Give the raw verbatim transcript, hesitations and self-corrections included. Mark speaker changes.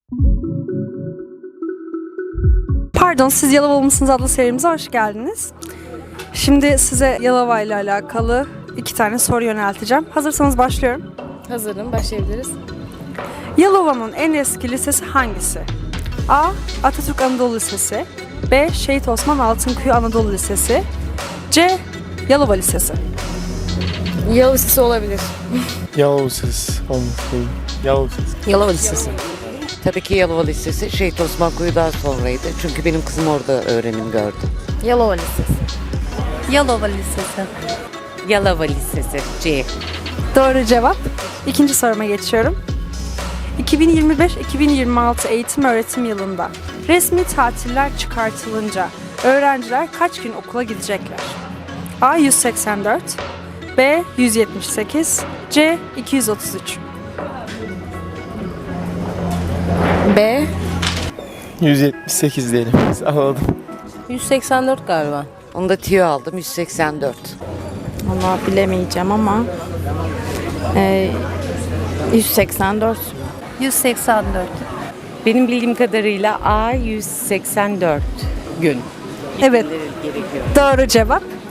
Speaker 1: Pardon, siz Yalova mısınız adlı serimize hoş geldiniz. Şimdi size Yalova ile alakalı iki tane soru yönelteceğim. Hazırsanız başlıyorum.
Speaker 2: Hazırım, başlayabiliriz.
Speaker 1: Yalova'nın en eski lisesi hangisi? A. Atatürk Anadolu Lisesi. B. Şehit Osman Altınkuyu Anadolu Lisesi. C. Yalova Lisesi.
Speaker 2: Yalova Lisesi olabilir.
Speaker 3: Yalova Lisesi olmuş değil. Yalova Lisesi.
Speaker 2: Yalova Lisesi.
Speaker 4: Tabii ki Yalova Lisesi. Şehit Osman Kuyu'dan sonraydı. Çünkü benim kızım orada öğrenim gördü.
Speaker 2: Yalova Lisesi.
Speaker 5: Yalova Lisesi.
Speaker 4: Yalova Lisesi. C.
Speaker 1: Doğru cevap. İkinci soruma geçiyorum. iki bin yirmi beş iki bin yirmi altı eğitim öğretim yılında resmi tatiller çıkartılınca öğrenciler kaç gün okula gidecekler? A. yüz seksen dört, B. yüz yetmiş sekiz, C. iki yüz otuz üç.
Speaker 2: B.
Speaker 3: yüz yetmiş sekiz diyelim biz. Alalım.
Speaker 2: yüz seksen dört galiba.
Speaker 4: Onu da tiyo aldım. yüz seksen dört.
Speaker 6: Vallahi bilemeyeceğim ama e, yüz seksen dört.
Speaker 5: yüz seksen dört.
Speaker 7: Benim bildiğim kadarıyla A yüz seksen dört gün.
Speaker 1: Evet,
Speaker 7: Gerekiyor.
Speaker 1: doğru cevap.